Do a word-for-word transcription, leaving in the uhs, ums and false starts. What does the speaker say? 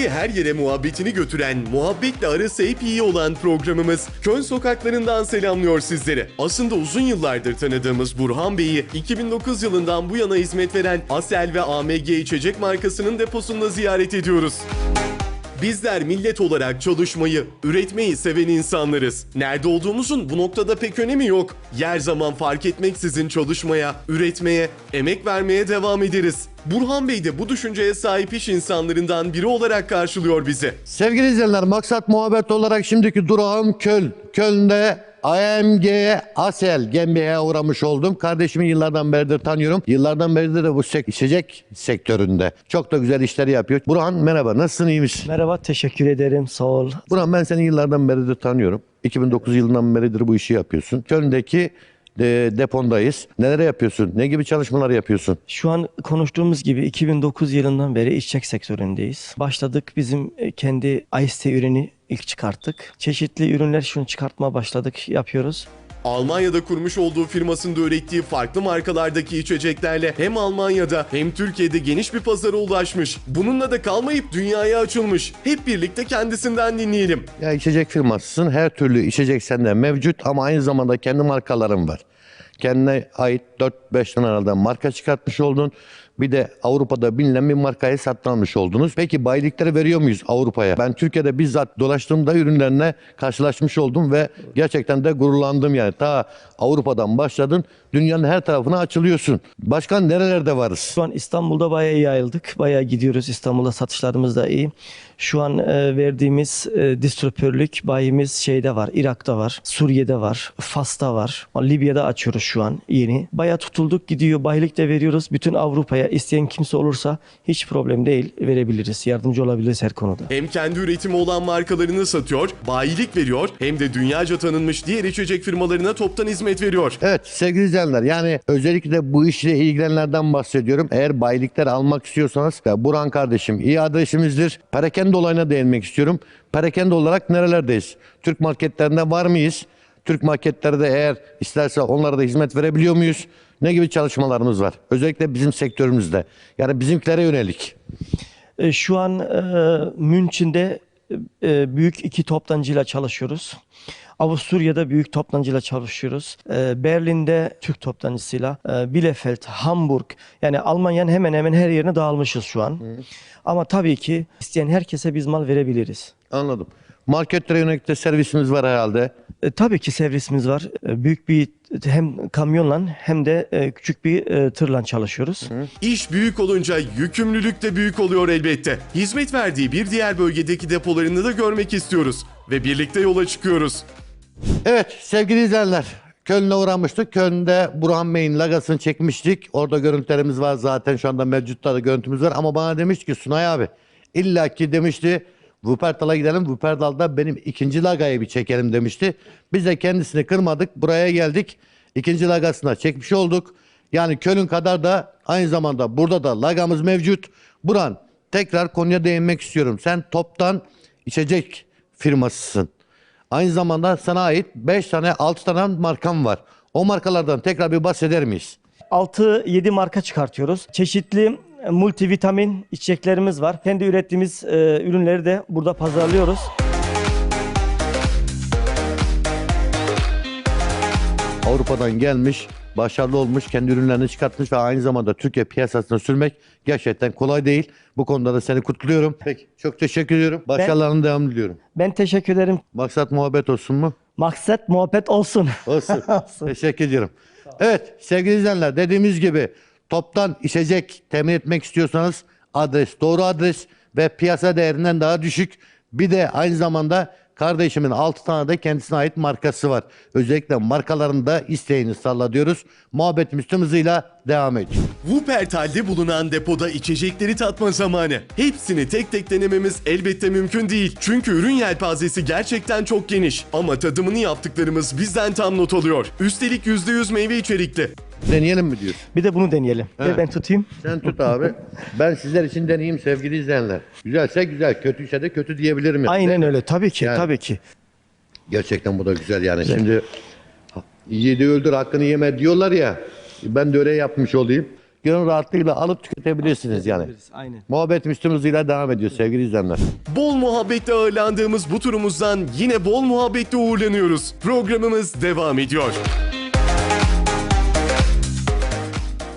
Sizi her yere muhabbetini götüren, muhabbetle arası hep iyi olan programımız Köln sokaklarından selamlıyor sizleri. Aslında uzun yıllardır tanıdığımız Burhan Bey'i iki bin dokuz yılından bu yana hizmet veren Asel ve A M G içecek markasının deposunda ziyaret ediyoruz. Bizler millet olarak çalışmayı, üretmeyi seven insanlarız. Nerede olduğumuzun bu noktada pek önemi yok. Yer zaman fark etmeksizin çalışmaya, üretmeye, emek vermeye devam ederiz. Burhan Bey de bu düşünceye sahip iş insanlarından biri olarak karşılıyor bizi. Sevgili izleyenler, maksat muhabbet olarak şimdiki durağım Köln. Köln'de A M G Asel G m H'ye uğramış oldum. Kardeşimi yıllardan beridir tanıyorum. Yıllardan beridir de bu sek içecek sektöründe. Çok da güzel işleri yapıyor. Burhan merhaba, nasılsın, iyi misin? Merhaba, teşekkür ederim, sağ ol. Burhan, ben seni yıllardan beridir tanıyorum. iki bin dokuz yılından beridir bu işi yapıyorsun. Köln'deki de, depondayız. Neler yapıyorsun? Ne gibi çalışmalar yapıyorsun? Şu an konuştuğumuz gibi iki bin dokuz yılından beri içecek sektöründeyiz. Başladık, bizim kendi Ice Tea ürünü ilk çıkarttık. Çeşitli ürünler şunu çıkartmaya başladık, yapıyoruz. Almanya'da kurmuş olduğu firmasında ürettiği farklı markalardaki içeceklerle hem Almanya'da hem Türkiye'de geniş bir pazara ulaşmış. Bununla da kalmayıp dünyaya açılmış. Hep birlikte kendisinden dinleyelim. Ya içecek firmasısın. Her türlü içecek sende mevcut ama aynı zamanda kendi markaların var. Kendine ait dört beş tane herhalde marka çıkartmış oldun. Bir de Avrupa'da bilinen bir markayı satın almış oldunuz. Peki bayilikleri veriyor muyuz Avrupa'ya? Ben Türkiye'de bizzat dolaştığımda ürünlerine karşılaşmış oldum ve gerçekten de gururlandım yani. Ta Avrupa'dan başladın, dünyanın her tarafına açılıyorsun. Başkan, nerelerde varız? Şu an İstanbul'da bayağı iyi yayıldık. Bayağı gidiyoruz. İstanbul'da satışlarımız da iyi. Şu an e, verdiğimiz e, distribütörlük bayimiz şeyde var. Irak'ta var. Suriye'de var. Fas'ta var. Libya'da açıyoruz şu an yeni. Bayağı tutulduk, gidiyor. Bayilik de veriyoruz. Bütün Avrupa'ya isteyen kimse olursa hiç problem değil, verebiliriz. Yardımcı olabiliriz her konuda. Hem kendi üretimi olan markalarını satıyor, bayilik veriyor, hem de dünyaca tanınmış diğer içecek firmalarına toptan hizmet veriyor. Evet sevgili izleyenler, yani özellikle bu işle ilgilenenlerden bahsediyorum. Eğer bayilikler almak istiyorsanız Burhan kardeşim iyi adresimizdir. Perakende olayına değinmek istiyorum. Perakende olarak nerelerdeyiz? Türk marketlerinde var mıyız? Türk marketlerde eğer isterse onlara da hizmet verebiliyor muyuz? Ne gibi çalışmalarımız var? Özellikle bizim sektörümüzde. Yani bizimkilere yönelik. E, şu an e, Münch'de e, büyük iki toptancıyla çalışıyoruz. Avusturya'da büyük toptancıyla çalışıyoruz. E, Berlin'de Türk toptancısıyla, e, Bielefeld, Hamburg, yani Almanya'nın hemen hemen her yerine dağılmışız şu an. Hı. Ama tabii ki isteyen herkese biz mal verebiliriz. Anladım. Marketlere yönelik de servisimiz var herhalde. E, tabii ki servisimiz var. E, büyük bir hem kamyonla hem de e, küçük bir e, tırla çalışıyoruz. Hı. İş büyük olunca yükümlülük de büyük oluyor elbette. Hizmet verdiği bir diğer bölgedeki depolarını da görmek istiyoruz ve birlikte yola çıkıyoruz. Evet sevgili izleyenler, Köln'e uğramıştık. Köln'de Burhan Bey'in lagasını çekmiştik. Orada görüntülerimiz var zaten, şu anda mevcutta da görüntümüz var. Ama bana demişti ki Sunay abi, illaki demişti Wuppertal'a gidelim. Wuppertal'da benim ikinci lagayı bir çekelim demişti. Biz de kendisini kırmadık. Buraya geldik. İkinci lagasına çekmiş olduk. Yani Köln kadar da aynı zamanda burada da lagamız mevcut. Burhan, tekrar konuya değinmek istiyorum. Sen toptan içecek firmasısın. Aynı zamanda sana ait beş tane altı tane markam var. O markalardan tekrar bir bahseder miyiz? altı yedi marka çıkartıyoruz. Çeşitli multivitamin içeceklerimiz var. Kendi ürettiğimiz e, ürünleri de burada pazarlıyoruz. Avrupa'dan gelmiş, başarılı olmuş, kendi ürünlerini çıkartmış ve aynı zamanda Türkiye piyasasına sürmek gerçekten kolay değil. Bu konuda da seni kutluyorum. Peki, çok teşekkür ediyorum. Başarılarının devamını diliyorum. Ben teşekkür ederim. Maksat muhabbet olsun mu? Maksat muhabbet olsun. Olsun. Teşekkür ediyorum. Evet sevgili izleyenler, dediğimiz gibi toptan içecek temin etmek istiyorsanız adres, doğru adres ve piyasa değerinden daha düşük. Bir de aynı zamanda kardeşimin altı tane de kendisine ait markası var. Özellikle markalarını da isteğini salla diyoruz. Muhabbetimiz tüm hızıyla devam ediyor. Wuppertal'de bulunan depoda içecekleri tatma zamanı. Hepsini tek tek denememiz elbette mümkün değil. Çünkü ürün yelpazesi gerçekten çok geniş. Ama tadımını yaptıklarımız bizden tam not alıyor. Üstelik yüzde yüz meyve içerikli. Deneyelim mi diyorsun? Bir de bunu deneyelim. Evet. Ver ben tutayım. Sen tut abi. Ben sizler için deneyeyim sevgili izleyenler. Güzelse güzel, kötüyse de kötü diyebilirim. Yani. Aynen öyle. Tabii ki, Yani. tabii ki. Gerçekten bu da güzel yani. Güzel. Şimdi yedi öldür hakkını yeme diyorlar ya. Ben de öyle yapmış olayım. gönül rahatlığıyla alıp tüketebilirsiniz yani. Aynen. Muhabbet üstümüzle devam ediyor sevgili izleyenler. Bol muhabbetle ağırlandığımız bu turumuzdan yine bol muhabbetle uğurlanıyoruz. Programımız devam ediyor.